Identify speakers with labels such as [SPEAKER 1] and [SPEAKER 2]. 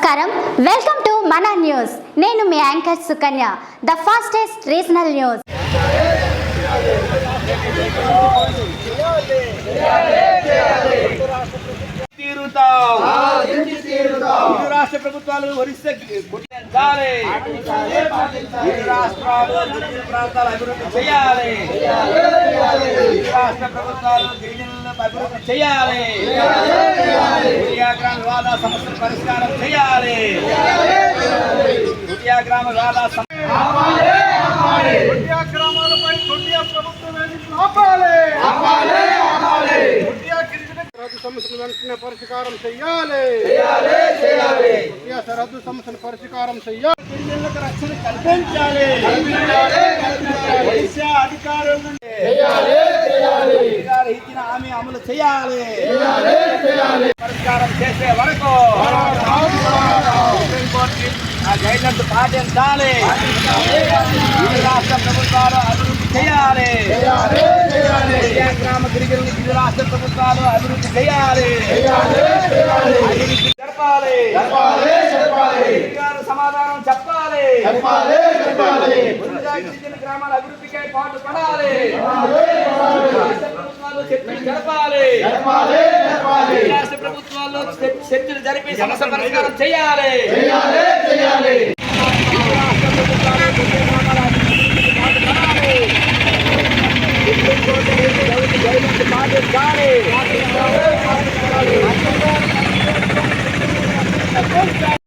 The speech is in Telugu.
[SPEAKER 1] నమస్కారం, వెల్కమ్ టు మన న్యూస్. నేను మీ anchor Sukanya. The fastest regional news.
[SPEAKER 2] రాష్ట్ర ప్రభుత్వాలు ఒరిస్సా రాష్ట్రాలు ప్రాంతాలు అభివృద్ధి చేయాలి. రాష్ట్ర ప్రభుత్వాలు గిరిజనులను అభివృద్ధి చేయాలి. గ్రామ వివాద సమస్యల పరిష్కారం చేయాలి. గ్రామ వివాద
[SPEAKER 3] గ్రామాలపై ప్రభుత్వం ఆపాలి. సమస్యలు వెంటనే పరిష్కారం చెయ్యాలి. సరహద్దు సమస్యలు పరిష్కారం చెయ్యాలి.
[SPEAKER 2] గిరిజనులకు రక్షణ కల్పించాలి. అధికారుల నుండి ఇచ్చిన హామీ అమలు చేయాలి. పరిష్కారం చేసే వరకు సుప్రీంకోర్టు ఆ గైడ్లైన్స్ పాటించాలి. రాష్ట్ర ప్రభుత్వాలు అభివృద్ధి చేయాలి. గ్రామ గిరిజనులు ఇరు రాష్ట్ర ప్రభుత్వాలు అభివృద్ధి చేయాలి. అభివృద్ధి జరపాలి. సమాధానం చెప్పాలి. గిరిజన గ్రామాల అభివృద్ధికై పాటు పడాలి. రాష్ట్ర ప్రభుత్వాలు చర్చలు జరపాలి. రాష్ట్ర ప్రభుత్వాల్లో చర్చలు జరిపి సమస్య పరిష్కారం చేయాలి. పాటించాలి.